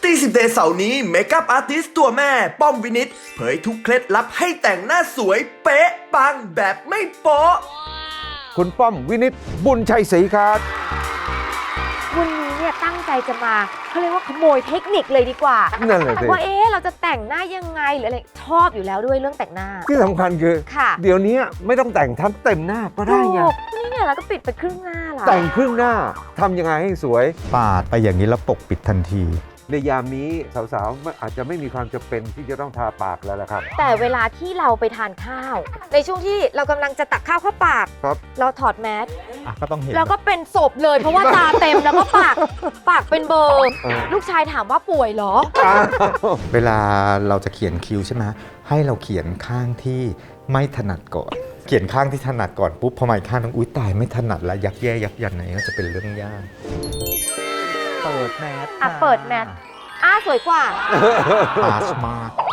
Beauty 10 Day เสาร์นี้เมคอัพอาร์ติสต์ตัวแม่ป้อมวินิตเผยทุกเคล็ดลับให้แต่งหน้าสวยเป๊ะปังแบบไม่โป๊ะคุณป้อมวินิตบุญชัยศรีครับวันนี้เนี่ยตั้งใจจะมาเขาเรียกว่าขโมยเทคนิคเลยดีกว่านั่นแหละสิว่าเราจะแต่งหน้ายังไงหรืออะไรชอบอยู่แล้วด้วยเรื่องแต่งหน้าที่สำคัญคือค่ะเดี๋ยวนี้ไม่ต้องแต่งทั้งเต็มหน้าก็ได้ไงถูกนี่เนี่ยเราก็ปิดไปครึ่งหน้าละแต่งครึ่งหน้าทำยังไงให้สวยปาดไปอย่างนี้แล้วปกปิดทันทีในยามนี้สาวๆอาจจะไม่มีความจำเป็นที่จะต้องทาปากแล้วละครับแต่เวลาที่เราไปทานข้าว ในช่วงที่เรากำลังจะตักข้าวเข้าปากครับเราถอดแมสก็ต้องเห็นแล้วก็เป็นศพเลยเพราะว่าตาเต็มแล้วก็ปากเป็นเบอร์ ลูกชายถามว่าป่วยเหรอเวลาเราจะเขียนคิ้วใช่ไหมให้เราเขียนข้างที่ไม่ถนัดก่อน เขียนข้างที่ถนัดก่อนปุ๊บพอมาอีกข้างนึงอุ๊ยตายไม่ถนัดแล้วยักแย่ยักยันไหนก็จะเป็นเรื่องยากเปิดแมสเปิดแมสสวยกว่าปาสมาก